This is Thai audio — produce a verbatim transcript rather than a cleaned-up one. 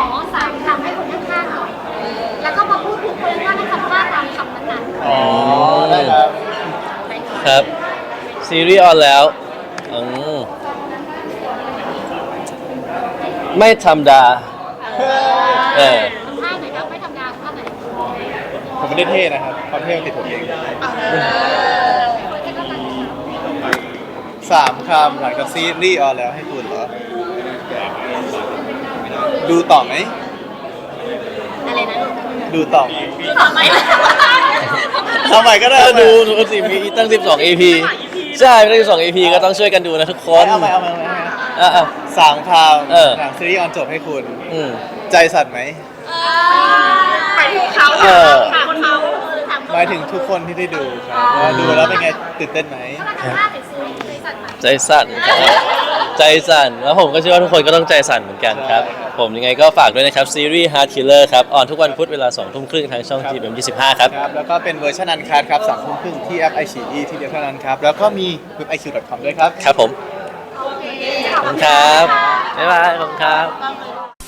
อสามคำให้คนข้างๆหน่อยแล้วก็มาพูดถูกคนข้างๆคำว่าตามคำนั้นๆอ๋อได้ครับครับซีรีส์ออนแล้วอืมไม่ธรรมดาเออทำท่าไหนครับไม่ทำงานท่าไหนผมไม่ได้เท่นะครับความเท่มันติดผมเองสามคำหลังจากซีรีส์ออนแล้วให้คุณเหรอ ดูต่อไหมอะไรนะดูต่อไหมต่อไหมทำไมก็ได้ถ้าดูดูสิมีตั้งสิบสอง อี พี ใช่ตั้งสิบสอง อี พี ก็ต้องช่วยกันดูนะทุกคนเอาใหม่เอาใหม่เอาใหม่อ่ะอ่ะสามคเออำหลังซีรีส์ออนจบให้คุณอืมใจสั่นไหมไปถึงเขาเออถามเขาถามหมายถึงทุกคนที่ได้ดูครับว่าดูแล้วเป็นไงตื่นเต้นไหมเขาท่าไหนซื้อเลยสั่นไหมใจสั่นครับใจสั่นแล้วผมก็เชื่อว่าทุกคนก็ต้องใจสั่นเหมือนกันครับ ผมยังไงก็ฝากด้วยนะครับซีรีส์ Heart Killer ครับออนทุกวันพุธเวลาสองทุ่มครึ่งทางช่อง จี เอ็ม ยี่สิบห้า ครับครับ แล้วก็เป็นเวอร์ชันอันคัดครับสามทุ่มครึ่งที่แอป ไอ ซี อี ที่เดียวเท่านั้นครับ แล้วก็มีเว็บ ไอ คิว ดอท คอม ด้วยครับครับผมโอเคขอบคุณครับบ๊ายบายขอบคุณครับ